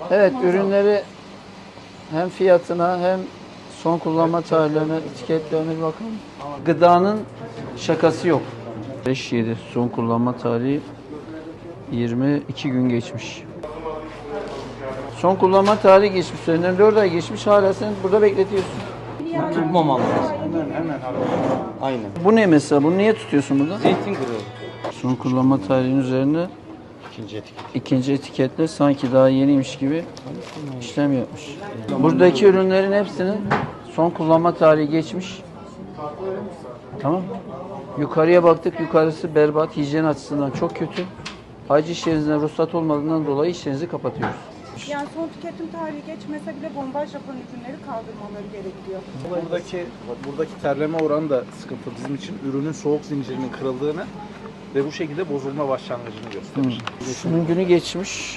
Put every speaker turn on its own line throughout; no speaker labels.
Evet, ürünleri hem fiyatına hem son kullanma tarihlerine, etiketlerine bir bakalım. Gıdanın şakası yok. 5-7 son kullanma tarihi 22 gün geçmiş. Son kullanma tarihi geçmiş. Üzerinden 4 ay geçmiş. Hala sen burada bekletiyorsun.
Tutmamam lazım. Hemen. Aynen.
Bu ne mesela? Bunu niye tutuyorsun burada?
Zeytin kırığı.
Son kullanma tarihinin üzerine ikinci etiketle sanki daha yeniymiş gibi işlem yapmış. Buradaki ürünlerin hepsinin son kullanma tarihi geçmiş. Tamam. Yukarıya baktık. Yukarısı berbat. Hijyen açısından çok kötü. Ayrıca işlerinizden ruhsat olmadığından dolayı işlerinizi kapatıyoruz.
Yani son tüketim tarihi geçmese bile bombaj yapan ürünleri kaldırmaları gerekiyor.
Buradaki terleme oranı da sıkıntı bizim için. Ürünün soğuk zincirinin kırıldığını ve bu şekilde bozulma başlangıcını gösterir.
Şunun günü geçmiş.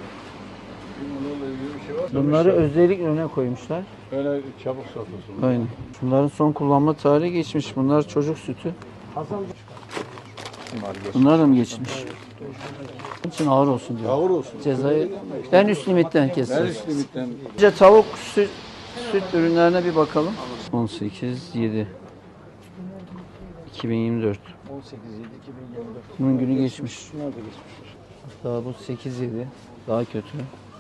Bunları özellikle öne koymuşlar.
Öyle çabuk satılsın.
Aynen. Bunların son kullanma tarihi geçmiş. Bunlar çocuk sütü. Bunlar da mı geçmiş? Onun için ağır olsun diyor.
Ağır olsun.
Cezayı en üst limitten
Her
kesiyoruz.
üst limitten
Önce tavuk süt ürünlerine bir bakalım. 18/7 2024.
18.7.2024.
Bunun günü geçmiş. Hatta bu 8/7 daha kötü.